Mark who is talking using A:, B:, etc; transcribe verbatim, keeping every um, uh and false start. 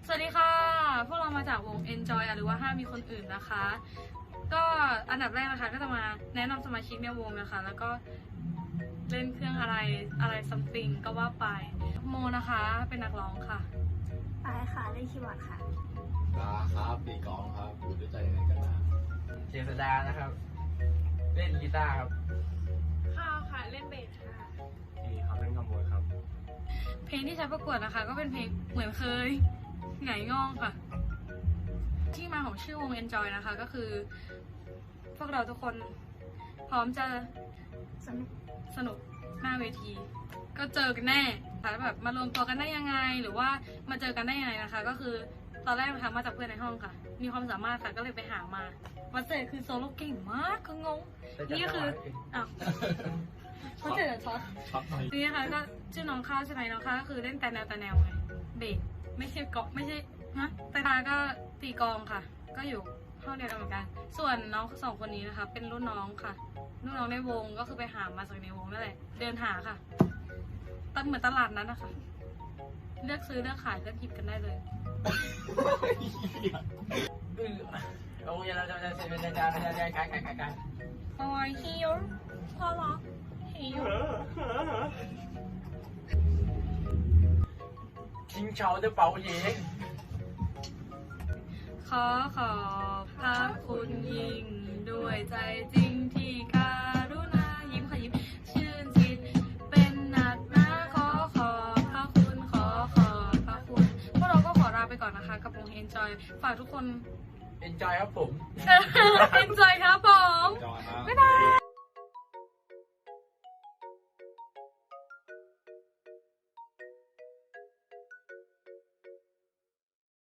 A: วัสดีค่ะพวกเรามาจากวง Enjoy หรือว่าห้ามมีคนอื่นนะคะ ก็อันดับแรกนะคะก็จะมาแนะนำสมาชิกในวงนะคะแล้วก็เล่นเครื่องอะไรอะไรซัมติงก็ว่าไปโมนะคะเป็นนักร้องค่ะ
B: ปายค่ะเล่นคีย์บอร์ดค่ะ
C: ลาครับปีกองครับอยู่ด้วยใจในกันนะ
D: เจษดานะครับ เล่นกีตาร์ครับ
A: ข้าวค่ะเล่นเบสค่ะ
D: นี่ครับเล่นขโมยครับ
A: เพลงที่ใช้ประกวดนะคะ ก็เป็นเพลงเหมือนเคยไงง่องค่ะ ที่มาของชื่อวง Enjoy นะคะ ก็คือ พวกเราทุกคนพร้อมจะ
B: สนุก
A: สนุกหน้าเวที ก็เจอกันแน่ค่ะแบบมารวมตัวกันได้ยังไง หรือว่ามาเจอกันได้ยังไงนะคะ ก็คือตอนแรกนะคะมาจากเพื่อนในห้องค่ะ มีความสามารถค่ะก็เลยไปหามาวันเจอคือโซโล่เก่งมากคืองงนี่ก็คืออ้าววันเจอช็อต
C: ช็อตหน่อย
A: นี่นะคะก็ชื่อน้องข้าวใช่ไหมน้องข้าวก็คือเล่นแต่แนวแต่แนวไงเบสไม่ใช่เกาะไม่ใช่ฮะแต่ตาก็ตีกลองค่ะ ก็อยู่ห้องเดียวกันเหมือนกัน ส่วนน้องสองคนนี้นะคะ เป็นรุ่นน้องค่ะรุ่นน้องในวงก็คือไปหามาจากในวงนั่นแหละเดินหาค่ะตั้งเหมือนตลาดนั้นนะคะ เลือกซื้อเลือกขายเลือกหยิบกันได้เลย
D: อือโอ้ยเราจะจะจะจะจะจะจะกันกันกันกัน
A: โอ้ยฮิวพ่อรักฮิว
D: ทิ้งเฉาจะเป่าเย่ง
A: ขอขอบพระคุณยิ่งด้วยใจจริงที่การุณายิ้มค่ะยิ้มชื่นจิตเป็นหนักหนาขอขอบพระคุณขอขอบพระคุณพวกเราก็ขอลาไปก่อนนะคะกับวง Enjoy ฝากทุกคน
D: เอ็นจอยครับผม
A: Enjoy ครับผม
C: จอครับ
A: บ๊ายบาย